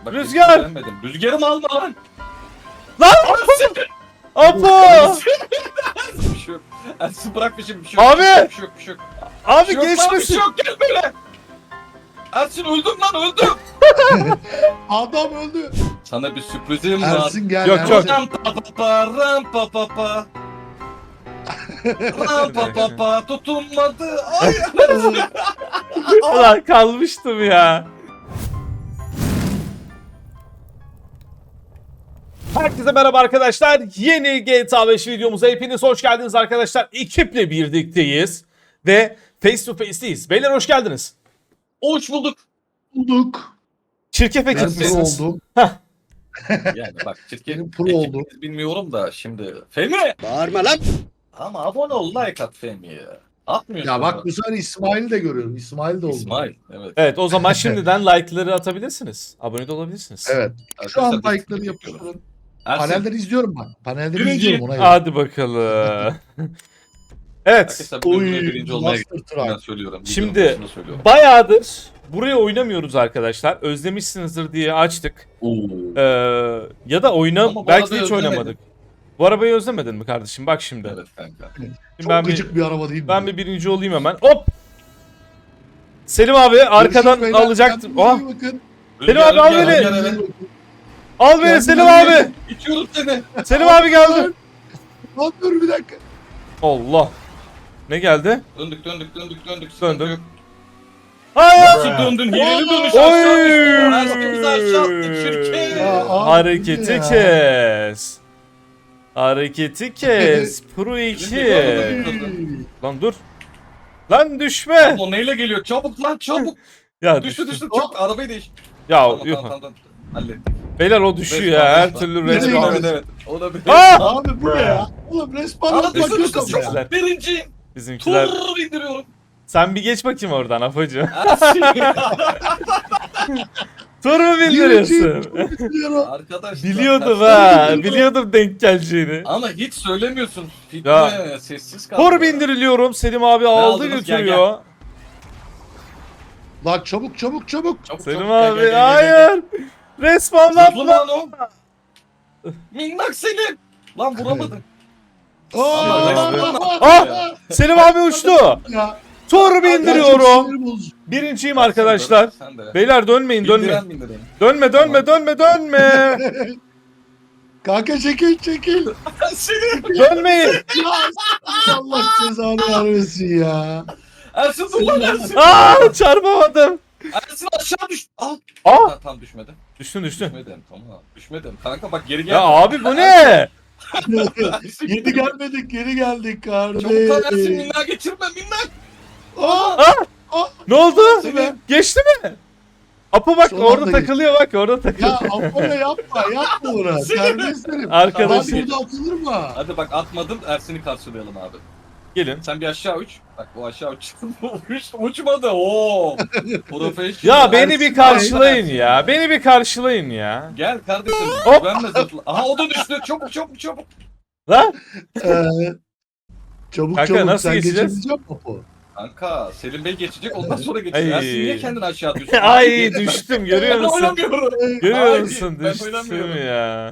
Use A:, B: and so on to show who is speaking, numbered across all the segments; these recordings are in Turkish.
A: Bak,
B: Rüzgar!
A: beğenmedim. Rüzgarımı alma lan.
B: Lan! Apo!
A: Bir şey yok. Ersin bırak bir şey yok.
B: Abi!
A: Bir şey yok, bir şey yok.
B: Abi
A: Bir şey yok lan, bir şey
B: geçmesin.
A: yok, gel böyle. Ersin öldüm lan, öldüm.
C: Adam öldü.
A: Sana bir sürprizim var.
C: Ersin gel.
B: Yok,
C: Ersin.
B: yok.
A: Ram pa pa pa, ram pa pa pa. Ram pa pa pa, tutunmadı. Ay
B: Ulan kalmıştım ya. Herkese merhaba arkadaşlar. Yeni GTA 5 videomuza hepiniz hoş geldiniz arkadaşlar. Ekiple birlikteyiz ve face to face'teyiz. Beyler hoş geldiniz.
A: hoş bulduk.
C: Bulduk.
B: Çirkef
C: Ben
B: ekip
C: pro
B: misiniz?
C: oldum.
A: Yani bak şirket
C: Benim pro oldu.
A: bilmiyorum da şimdi. Fehmi.
C: Bağırma lan.
A: Ama abone ol, like at Fehmi'ye. Atmıyorsun.
C: Ya bak bu sefer İsmail'i de görüyorum. İsmail de oldu.
A: İsmail. Evet.
B: Evet o zaman şimdiden like'ları atabilirsiniz. Abone de olabilirsiniz.
C: Evet. Şu an
A: Arkadaşlar,
C: like'ları
A: yapıyorum.
C: yapıştırın.
A: Ersin,
C: Panelleri izliyorum bak. Panelleri
A: Birinci.
C: izliyorum ona göre.
B: Hadi bakalım. Evet.
A: arkadaşlar bugün
C: Oy,
A: buraya birinci olmaya
C: Master
A: gittim. Ben
C: Truck.
A: söylüyorum.
B: Şimdi-
A: videonun başında söylüyorum.
B: Bayağıdır buraya oynamıyoruz arkadaşlar. Özlemişsinizdir diye açtık.
A: Oo.
B: Ya da
A: Ama bu
B: belki de
A: arabayı
B: hiç
A: özlemedim.
B: oynamadık. Bu arabayı özlemedin mi kardeşim? Bak şimdi.
A: Evet kanka.
B: Şimdi
C: Çok
B: ben
C: gıcık bir araba değil mi?
B: Ben bir birinci olayım hemen. Hop! Selim abi arkadan
C: Görüşürüz beyler.
B: alacaktım.
C: Kendinize
B: Oh!
C: iyi bakın.
B: Selim abi, al
A: Rüzgar,
B: beni.
A: rüzgar, evet.
B: Al beni
C: Kendine
B: Selim
C: iyi
B: abi.
A: İtiyorum seni.
B: Selim abi geldi.
C: Lan dur bir dakika.
B: Allah. Ne geldi?
A: Döndük.
B: Döndüm.
A: Yok.
B: Hayır.
A: Nasıl döndün? Hileli dönüş
B: Oy!
A: aşağı düştün. Herkesi aşağı attık şirket.
C: Ya abi
B: Hareketi
C: ya.
B: kes. Hareketi kes. Pro 2.
A: Bizim
B: Lan dur. Lan düşme.
A: O neyle geliyor? Çabuk lan çabuk.
B: Ya
A: Düştü
B: düştü.
A: çok arabayı değiş.
B: Ya
A: Tamam,
B: yuh.
A: tamam. Hallettik.
B: Beyler o düşüyor
A: Respawn,
B: ya. Her
A: respawn.
B: türlü
C: Nereye
B: respawn.
C: gidiyorsun?
A: Evet. O da bir.
B: Aa!
C: Abi bu ne ya? Oğlum respawn
A: Aa,
C: atmak
A: düştü
C: yok ama ya.
A: çok birinciyim.
B: Bizimkiler.
A: Tur indiriyorum.
B: Sen bir geç bakayım oradan Afacı.
A: Ersin.
B: Tur mu bildiriyorsun?
C: Biliyorum.
A: Arkadaşlar.
B: Biliyordum
A: ters-
B: ha. Biliyordum denk geleceğini.
A: Ama hiç söylemiyorsun. Fitne,
B: Ya.
A: sessiz kaldı.
B: Tur bindiriliyorum. Selim abi aldı
A: aldınız? Gel,
B: götürüyor.
C: Lan çabuk çabuk çabuk.
A: Çabuk,
B: Selim
A: çabuk, gel,
B: abi
A: gel, gel, gel, gel.
B: hayır. Respawn
A: Zıplı
B: atla.
A: lan o. Minnak Selim. Lan vuramadın.
C: Aa,
A: Respawn
B: Ah! Selim abi uçtu.
C: ya.
B: Tur bindiriyorum.
C: Sinir bozucu.
B: Birinciyim arkadaşlar.
A: Sen de.
B: Beyler dönmeyin
A: Bindiren.
B: Dönme. Dönme.
C: Kanka çekil.
A: Seni.
B: Dönmeyin.
C: Ya Allah cezanı vermesin ya.
A: Ersin dur lan Ersin.
B: Aa çarpamadım.
A: Ersin aşağı düştü. Aa.
B: Aa
A: Tam düşmedi.
B: düştün.
A: Düşmedim tamam. Düşmedim. Kanka bak geri gel.
B: Ya abi bu ne?
C: Yeni geldik
A: Çabuk lan Ersin
C: kardeşim.
A: minnak geçirme minnak.
C: Aa,
B: Ne oldu?
A: Selim.
B: Geçti mi? Apo bak
C: Son
B: orada
C: anda
B: takılıyor bak orada takılıyor.
C: ya Apollo yapma bunu. Terbiyesizlerim.
B: Arkadaşım.
C: Lan burada atılır mı?
A: Hadi bak atmadım Ersin'i karşılayalım abi.
B: Gelin.
A: Sen bir aşağı uç. Bak bu aşağı uç. Uçmadı. Oo. Profesyonel.
B: Ya beni bir
A: Ersin,
B: karşılayın
A: Ersin.
B: ya. Beni bir karşılayın ya.
A: Gel kardeşim.
B: Hop.
A: Güvenme zıpla. Aha o da düştü. Çabuk.
B: Lan
C: Ee, çabuk
B: Kanka,
C: çabuk
B: nasıl
C: sen
B: geçeceğiz?
C: geçebilecek misin Apo?
A: Kanka Selim Bey geçecek ondan sonra geçecek.
B: Ay.
A: Ersin niye kendini aşağı atıyorsun?
B: ay düştüm görüyor
A: Ben
B: musun?
A: oynamıyorum.
B: Görüyor
A: Hayır,
B: musun?
A: ben
B: Düştüm
A: oynamıyorum.
B: ya.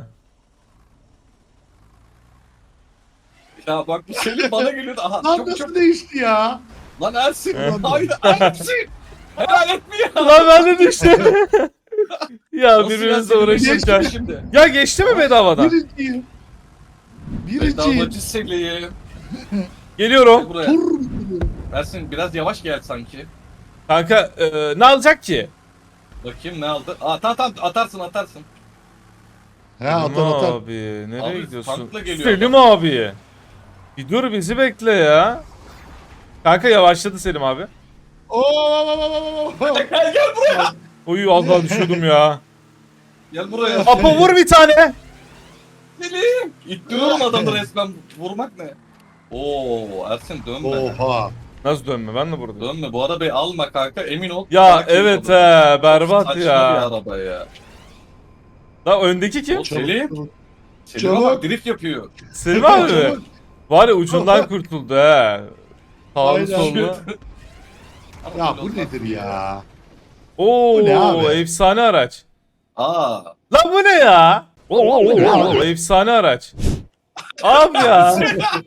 A: Ya bak bu Selim bana geliyordu. Aha
C: Lan
A: çok
C: nasıl değişti ya?
A: Lan Ersin.
B: He.
A: Hayır Ersin. Helal etme ya.
B: Lan ben de düştüm. ya
A: Nasıl
B: birbirimizle
A: ya? Selim Bey
B: uğraşırken.
A: geçti şimdi.
B: Ya geçti mi bedavadan?
C: Birinciyim.
A: Bedavacı Selim.
B: Geliyorum.
A: Buraya.
C: Tur.
A: Ersin biraz yavaş gel sanki.
B: Kanka ne alacak ki?
A: Bakayım ne aldı? Aa tamam atarsın.
C: He atar.
B: Abi nereye
A: Abi,
B: gidiyorsun?
A: tankla geliyor
B: Selim abi. Bir dur bizi bekle ya. Kanka yavaşladı Selim abi.
C: Oo.
A: Gel buraya.
B: Uyu az daha düşüyordum ya.
A: Gel buraya.
B: Apo vur bir tane.
A: Selim. İttiriyorum adamı resmen. Vurmak ne? Oo Ersin dönme.
C: Oha.
B: Nasıl dönme ben de buradayım.
A: Dönme bu arabayı alma kanka emin ol.
B: Ya
A: Sakin
B: evet
A: ol.
B: he berbat
A: Saçma bir
B: ya.
A: araba ya.
B: Lan öndeki kim?
A: O Selim. Selim'e
C: Çabuk.
A: bak drift yapıyor.
B: Selim abi mi?
C: Çabuk.
B: Var ya ucundan kurtuldu he. Sağlı
C: Aynen.
B: sollu.
A: Ama
C: Ya
A: böyle
C: bu
A: olmaz
C: nedir ya?
B: Oo
C: Bu ne abi?
B: efsane araç.
A: Aa.
B: Lan bu ne ya? Efsane araç. Abi ya.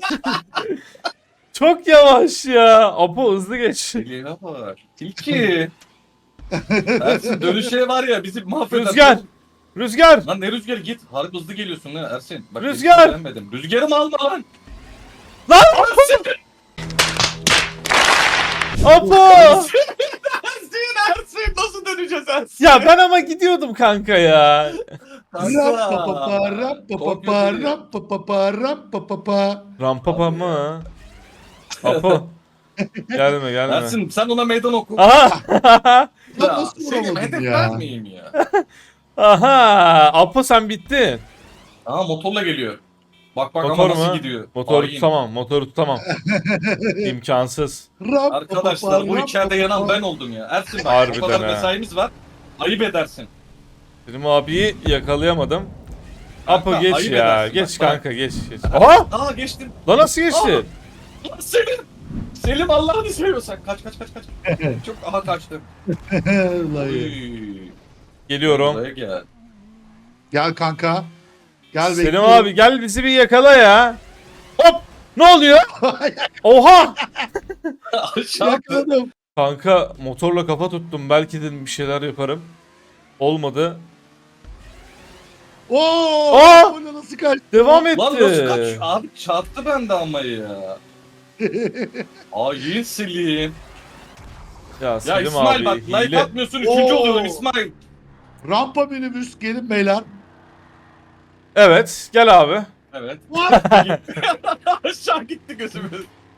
B: Çok yavaş ya. Apo hızlı geç.
A: Deliğe bak. Tilki. Ersin dönüşe var ya bizi mahveder.
B: Rüzgar. Rüzgar.
A: Lan ne rüzgarı git. Harbi hızlı geliyorsun lan Ersin. Bak,
B: Rüzgar.
A: hiç beğenmedim. Rüzgarımı alma lan.
B: Lan
A: Ersin.
B: Apo.
A: Ersin nasıl döneceğiz Ersin?
B: Ya ben ama gidiyordum kanka ya.
C: Rapapapa, rapapapa,
A: Çok
C: rapapapa, rapapapa.
B: Rampapa mı? Apo. Gelme gelme.
A: Ersin sen ona meydan oku.
B: Aha.
C: Ya nasıl
A: Selim
C: vuramadın
A: hedef
C: ya?
A: vermeyeyim ya.
B: Aha. Apo sen bittin.
A: Aa motorla geliyor. Bak bak
B: Motor
A: ama nasıl
B: mu?
A: gidiyor.
B: Motoru
A: Hain.
B: tutamam. Motoru tutamam. İmkansız.
C: Rapapapa,
A: Arkadaşlar bu içeride yanan
C: rapapapa.
A: ben oldum ya. Ersin bak
B: Harbiden
A: o kadar
B: ha.
A: mesaimiz var. Ayıp edersin.
B: Benim abiyi yakalayamadım. Apo
A: Kanka,
B: geç
A: ayıp
B: ya.
A: edersin.
B: Geç
A: Bak,
B: kanka geç. Aha!
A: Aa geçtim.
B: Lan nasıl geçti?
A: Lan Selim. Selim Allah'ını seviyorsan. Kaç. Çok aha kaçtım.
C: Ulan ya.
A: Uy.
B: Geliyorum.
A: Buraya gel.
C: Gel kanka. Gel
B: Selim
C: bekliyorum.
B: abi gel bizi bir yakala ya. Hop! Ne oluyor? Oha!
A: Aşağı.
C: Yakaladım.
B: Kanka motorla kafa tuttum. Belki dedim bir şeyler yaparım. Olmadı.
C: Oo!
B: Aa!
C: Bu ne, nasıl kaçtı?
B: Devam etti.
A: Lan nasıl kaç? Abi çarptı bende ama ya. Hain Selim.
B: Ya
A: Ya
B: Selim
A: İsmail
B: abi
A: bak like
B: hile.
A: atmıyorsun. Üçüncü
C: Oo.
A: oluyorum İsmail.
C: Rampa minibüs gelin beyler.
B: Evet gel abi.
A: Evet.
C: What?
A: Aşağı gitti gözümüz.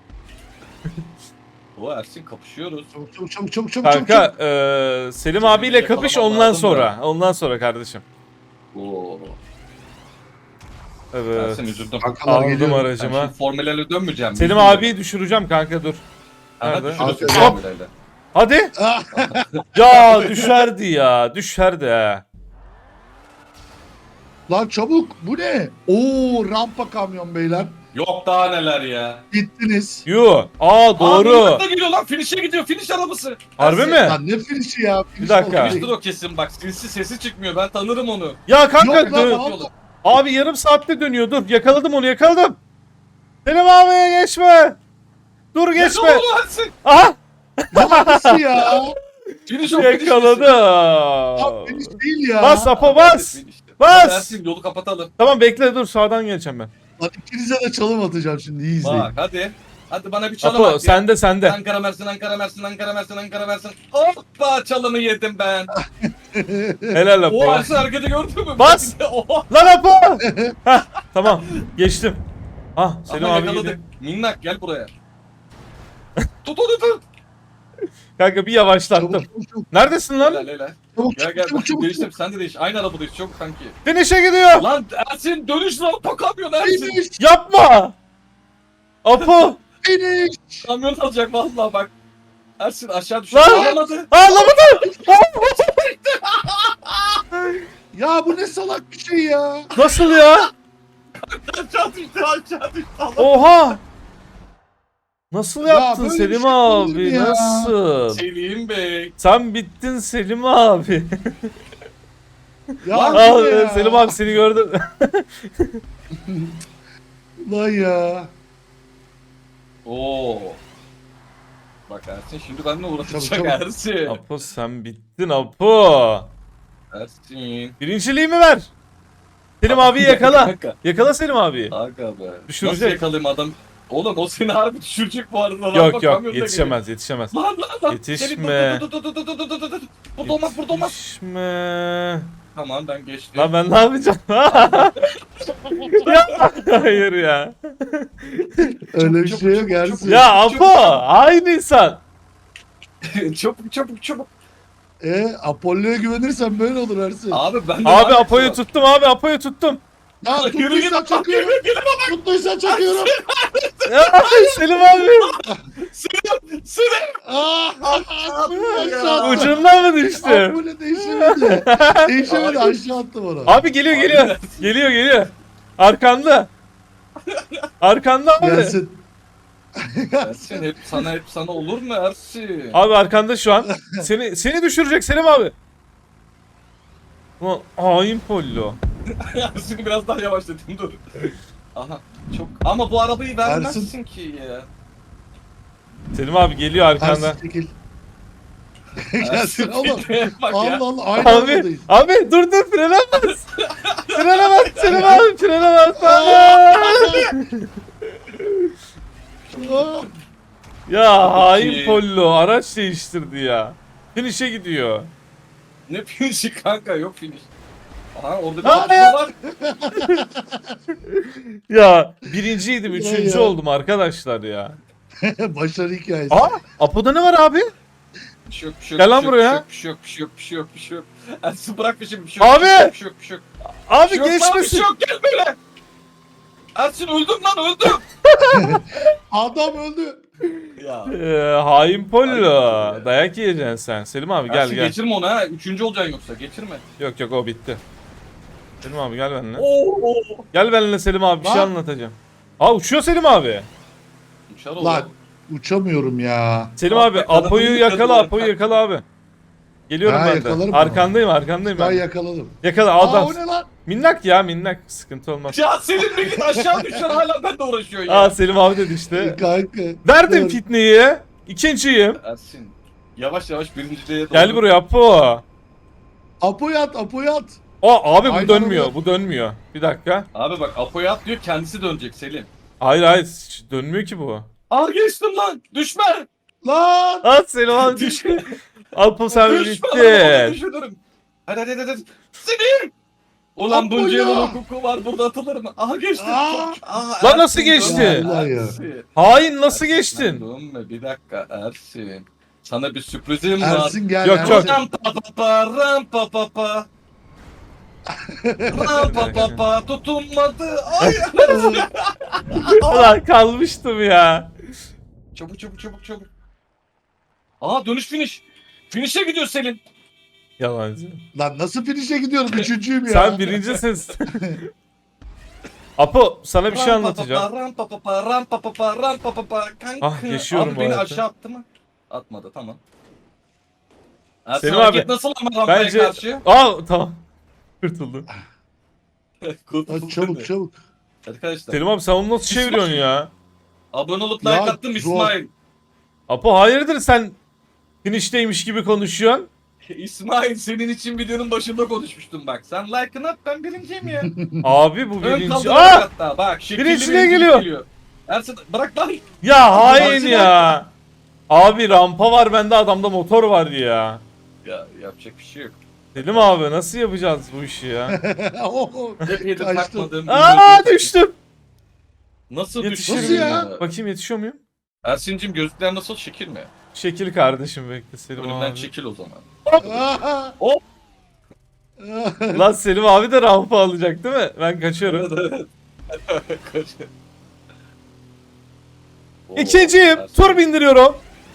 A: O Ersin kapışıyoruz.
C: Çabuk.
B: Kanka Selim abiyle kapış
A: Yakalamam
B: ondan
A: lazım
B: sonra. Ondan sonra kardeşim.
A: Oo.
B: Evet.
A: Ersin üzüldüm.
C: Kankalar
B: Aldım
C: geliyor.
A: Ben
B: aracıma.
A: şimdi formülerle dönmeyeceğim.
B: Selim
A: Üzüldüm.
B: abiyi düşüreceğim kanka dur.
A: Aha,
B: Nerede?
A: düşürürsün
C: Hop.
A: formülerle.
B: Hadi.
C: Ah,
B: Ya düşerdi ya. Düşerdi ha.
C: Lan çabuk. Bu ne? Oo, rampa kamyon beyler.
A: Yok daha neler ya.
C: Gittiniz.
B: Yu. Aa doğru.
A: Aa, da geliyor lan finish'e gidiyor. Finish arabası.
B: Harbi
A: Ersin,
B: mi?
C: Lan ne finişi ya?
B: Bir dakika.
A: Finish'tir o kesin bak. Sinsi sesi çıkmıyor. Ben tanırım onu.
B: Ya kanka
C: Yok lan,
B: dön-
C: vallahi.
B: Abi yarım saatte dönüyor. Dur yakaladım onu yakaladım. Selim abiye geçme. Dur
A: Ne
B: geçme.
A: oldu Ersin?
B: Aha
C: Nasıl ya?
A: Finish o
B: yakaladı.
C: Ya finiş değil ya.
B: Bas Apo bas. Bas.
A: Ersin yolu kapatalım.
B: Tamam bekle dur sağdan geleceğim ben.
C: Lan ikinize de çalım atacağım şimdi. İyi izleyin.
A: Bak hadi. Hadi bana bir çalım
B: Apo
A: at ya.
B: sende.
A: Ankara Mersin. Hoppa çalımı yedim ben.
B: Helal Apo.
A: O Ersin hareketi gördün mü?
B: Bas.
A: Oha.
B: Lan Apo. Heh, tamam geçtim. Ah Selim
A: Aha,
B: abi
A: yakaladık.
B: gidiyor.
A: Minnak gel buraya. Tut onu tut.
B: Kanka bir yavaşlattım.
C: Çabuk.
B: Neredesin lan?
A: Helal.
C: Çabuk
A: Gel
C: çabuk.
A: değiştim sen de değiş. Aynı arabadayız çok kanki.
B: Finish'e gidiyor.
A: Lan Ersin dönüş lan kamyon Ersin.
C: Finish.
B: Yapma. Apo.
C: Finish.
A: Kamyon alacak vallahi bak. Ersin aşağı düştü.
B: Lan!
A: Alamadı.
B: Ağlamadı.
C: Ya bu ne salak bir şey ya.
B: Nasıl ya?
A: Aşağı düştü.
B: Oha. Nasıl
C: Ya
B: yaptın
C: böyle bir
B: Selim
C: şey olur mu
B: abi?
C: ya?
B: Nasıl?
A: Selim Bey.
B: Sen bittin Selim abi.
C: Ya
A: Lan
C: bu ne
B: Al
C: ya?
B: Selim abi seni gördüm.
C: Lan ya.
A: Oo. Bak Ersin şimdi benimle uğraşacak
C: Çabuk.
A: Ersin.
B: Apo sen bittin Apo.
A: Ersin.
B: Birinciliğimi ver. Selim abiyi yakala.
A: Kanka.
B: Yakala Selim abiyi.
A: Aga be.
B: Düşürecek.
A: Nasıl yakalayayım adam? Oğlum o seni harbi düşürecek bu arada. Lan
B: Yok
A: bak,
B: yok
A: kamyonda
B: yetişemez yetişemez.
A: geliyor. Lan.
B: Yetişme.
A: Dur. Burada olmaz burada olmaz.
B: Yetişme.
A: Tamam ben geçtim.
B: Lan ben ne yapacağım? Ya, hayır ya.
C: Öyle bir
A: Çabuk,
C: şey yok
A: çabuk,
C: Ersin.
A: çabuk.
B: Ya Apo aynı insan.
A: çabuk.
C: Apollo'ya güvenirsen böyle olur Ersin.
A: Abi ben de
B: Abi Apo'yu tuttum abi Apo'yu tuttum.
C: Ya tuttuysan çakıyorum. Tuttuysan çakıyorum.
B: Ya, Selim abi.
A: Selim.
C: Ah, aşağı attım.
B: Ucundan mı düştü?
C: Apollo değişemedi. Değişemedi aşağı attım onu.
B: Abi geliyor. Geliyor. Arkanda. Arkanda abi.
C: Gelsin.
A: Ersin hep sana olur mu Ersin?
B: Abi arkanda şu an. Seni düşürecek Selim abi. Ulan hain Pollo.
A: Şimdi biraz daha yavaşlatayım dur. Aha çok ama bu arabayı vermezsin ki ya.
B: Selim abi geliyor arkandan.
C: Ersin çekil. Gelsin oğlum.
A: Bak ya.
C: Allah Allah aynı
B: Abi,
C: aradayız.
B: abi dur frene bas. Frene bas Selim abi frene bas.
C: Aa,
B: Ya hain
A: Peki.
B: Pollo araç değiştirdi ya. Finish'e gidiyor.
A: Ne finişi kanka yok finish. Aha orada bir
B: Aa,
A: atışma
B: ya.
A: var.
B: Ya birinciydim, üçüncü
C: Ya.
B: oldum arkadaşlar ya.
C: Başarı hikayesi.
B: Aa, Apo'da ne var abi?
A: Bir şey yok, bir şey yok,
B: Gel
A: bir
B: lan
A: şey yok,
B: buraya.
A: Bir şey yok, bir şey yok, bir şey yok, bir şey yok. Ersin bırak peşimi, bir şey yok.
B: Abi!
A: Bir şey yok, bir şey yok, bir şey yok.
B: Abi
A: Bir şey yok lan, bir
B: geçmesin.
A: şey yok, gel böyle. Ersin öldüm lan, öldüm.
C: Adam öldü.
A: Ya.
B: Hain Pollo.
A: Hain Pollo.
B: Dayak yiyeceksin sen. Selim abi gel
A: Ersin
B: gel.
A: geçirme onu ha. Üçüncü olacaksın yoksa, geçirme.
B: Yok yok o bitti. Selim abi gel benimle.
A: Oo.
B: Gel benimle Selim abi bir şey
C: Lan.
B: anlatacağım. Aa uçuyor Selim abi.
A: Uçar
C: Lan
A: oğlum.
C: uçamıyorum ya.
B: Selim
A: Bak,
B: abi
A: yakaladım,
B: Apo'yu yakala,
A: yakaladım.
B: Apo'yu yakala abi. Geliyorum
C: Ha,
B: ben de.
C: yakalarım
B: Arkandayım arkandayım
C: Ben
B: ben.
C: yakaladım.
B: Yakala
C: Aa
B: adam.
C: o ne lan?
B: Minnak ya minnak. Sıkıntı olmaz.
A: Ya senin bir git aşağı düşer hala ben de uğraşıyor ya.
B: Aa Selim abi dedi işte.
C: Kanka.
B: Verdim
C: dur.
B: fitneyi. İkinciyim.
A: Ersin. Yavaş yavaş birinciliğe doğru.
B: Gel buraya Apo.
C: Apo'yu at, Apo'yu at.
B: Aa abi bu
C: Aynen
B: dönmüyor.
C: öyle.
B: Bu dönmüyor. Bir dakika.
A: Abi bak Apo'ya at diyor kendisi dönecek Selim.
B: Hayır hayır dönmüyor ki bu.
A: Aa geçtim lan düşme.
C: Lan.
B: Aa Selim abi
A: Düşme.
B: düştü. Apo sen
A: Düşme lan onu
B: bitti.
A: düşürürüm. Hadi. Selim. Ulan
C: Apo'ya.
A: bunca yılın hukuku var burada atılır mı? Aha geçtim.
C: Aa.
A: Aa,
B: Lan nasıl
A: Ersin,
B: geçti?
A: dönme,
C: Allah ya.
A: Ersin.
B: Hain nasıl
A: Ersin,
B: geçtin?
A: Dönme bir dakika Ersin. Sana bir sürprizim var.
C: Ersin gel.
B: Yok,
C: Ersin.
B: yok.
A: Ram pa pa pa ram pa pa pa. Ram pa pa pa tutunmadı. Ay.
B: Ulan kalmıştım ya.
A: Çabuk. Aa dönüş finish. Finish'e gidiyor Selin.
B: Yalancı.
C: Lan nasıl finish'e gidiyorum? Üçüncüyüm ya.
B: Sen birincisin. Apo sana bir şey anlatacağım.
A: Ram pa pa pa ram pa pa pa ram pa pa pa. Kanka.
B: Ah, yaşıyorum
A: Abi
B: bu
A: beni
B: hayatı.
A: aşağı attı mı? Atmadı tamam. Ersin
B: Selim
A: hareket
B: abi,
A: nasıl ama rampaya
B: Bence...
A: karşı?
B: Aa tamam. Kurtuldum.
A: Kurtuldun
C: Lan çabuk
A: mu?
C: çabuk.
A: Arkadaşlar.
B: Selim abi sen onu nasıl çeviriyorsun ya?
A: Abone olup like
C: Ya,
A: attım
C: zor.
A: İsmail.
B: Apo hayırdır sen finişteymiş gibi konuşuyorsun?
A: İsmail senin için videonun başında konuşmuştum bak. Sen like'ını at ben birinciyim ya.
B: Abi bu
A: Ön
B: birinci.
A: kaldırarak
B: Aa!
A: hatta bak. Şekilli
B: Birinciliğe
A: birincilik
B: geliyor.
A: Ersin bırak lan.
B: Ya hain
A: Birinciliğe-
B: ya. Abi rampa var bende adamda motor var ya.
A: Ya yapacak bir şey yok.
B: Selim abi nasıl yapacağız bu işi ya?
C: Oo,
A: Hep yedi
C: kaçtım.
A: takmadığım.
B: Aa düştüm.
A: Nasıl
B: Yetişir
A: düştün
C: miyim?
A: ya?
B: Bakayım yetişiyor muyum?
A: Ersin'cim gözlükler nasıl şekil mi?
B: Şekil kardeşim bekle Selim
A: Önümden
B: abi.
A: çekil o zaman.
C: Aa.
A: Hop.
B: Lan Selim abi de rampa alacak değil mi? Ben kaçıyorum.
A: Evet. Oo,
B: İkinciyim.
A: Ersin.
B: Tur bindiriyorum.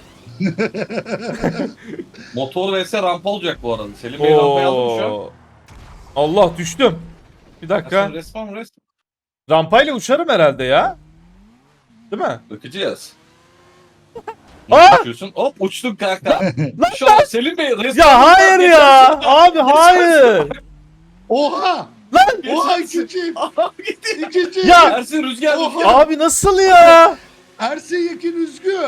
A: Motor vs rampa olacak bu arada. Selim Bey rampayı aldım şu an.
B: Oo. Allah düştüm. Bir dakika.
A: Ersin resmen.
B: Rampayla uçarım herhalde ya. Değil mi?
A: Bakacağız.
B: Aa!
A: Nasıl uçuyorsun? Hop uçtun kanka. Şu an Selim Bey resmen.
B: Ya hayır ya. Abi hayır.
C: Oha.
B: Lan.
C: Oha ikinciyim.
A: Aha gitti.
C: İkinciyim.
B: Ya.
A: Ersin rüzgar
C: Oha.
A: rüzgar.
B: Abi nasıl ya?
C: Ersin Yekin üzgün.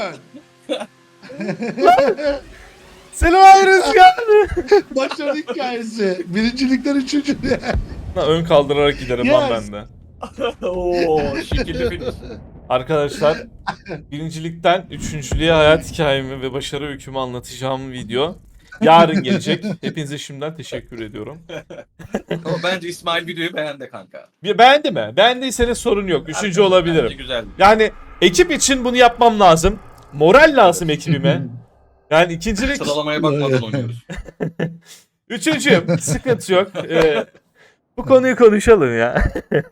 B: Selim abi rüzgar.
C: Başarı hikayesi. Birincilikten üçüncülüğe.
B: Lan ön kaldırarak giderim lan
C: Yes.
B: ben de.
A: Oo şekilli finish.
B: Arkadaşlar birincilikten üçüncülüğe hayat hikayemi ve başarı öykümü anlatacağım video yarın gelecek. Hepinize şimdiden teşekkür ediyorum.
A: Ama bence İsmail videoyu beğendi kanka.
B: Beğendi mi? Beğendiyseniz sorun yok. Üçüncü
A: Bence
B: olabilirim.
A: güzel.
B: Yani ekip için bunu yapmam lazım. Moral lazım ekibime. Yani ikincilik...
A: Sıralamaya bakmadan oynuyoruz.
B: Üçüncüyüm. Sıkıntı yok. Bu konuyu konuşalım ya.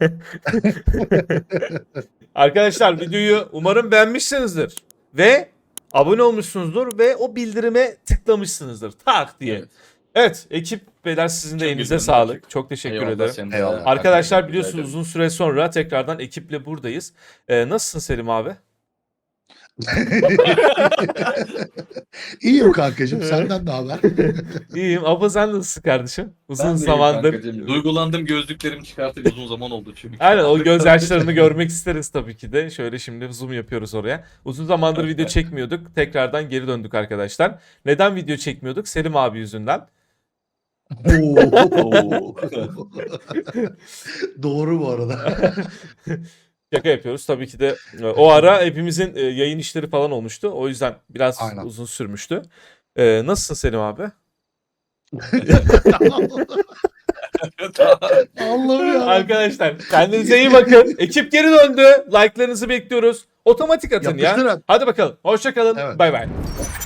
B: Arkadaşlar videoyu umarım beğenmişsinizdir. Ve abone olmuşsunuzdur ve o bildirime tıklamışsınızdır. Tak diye.
A: Evet.
B: Evet ekip beyler sizin de
A: Çok
B: elinize
A: güzel.
B: sağlık. Çok teşekkür
A: Eyvallah,
B: ederim.
A: senin de.
C: Eyvallah.
B: Arkadaşlar
A: Rica
B: biliyorsunuz
A: ederim.
B: uzun süre sonra tekrardan ekiple buradayız. Nasılsın Selim abi?
C: İyiyim kankacığım. Senden ne haber?
B: İyiyim. Abla sen nasılsın kardeşim? Uzun
A: Ben de iyiyim
B: zamandır.
A: kankacığım. Duygulandım, gözlüklerimi çıkartıp uzun zaman oldu çünkü.
B: Aynen, o gözyaşlarını görmek isteriz tabii ki de. Şöyle şimdi zoom yapıyoruz oraya. Uzun zamandır video çekmiyorduk. Tekrardan geri döndük arkadaşlar. Neden video çekmiyorduk? Selim abi yüzünden.
A: Oo.
C: Doğru bu arada.
B: Şaka yapıyoruz. Tabii ki de o ara hepimizin yayın işleri falan olmuştu. O yüzden biraz
C: Aynen.
B: uzun sürmüştü. Nasılsın Selim abi?
C: Allah'ım ya.
B: Arkadaşlar kendinize iyi bakın. Ekip geri döndü. Like'larınızı bekliyoruz. Otomatik atın ya.
C: Yapıştırın.
B: Hadi bakalım. Hoşça kalın.
C: Evet.
B: Bay bay.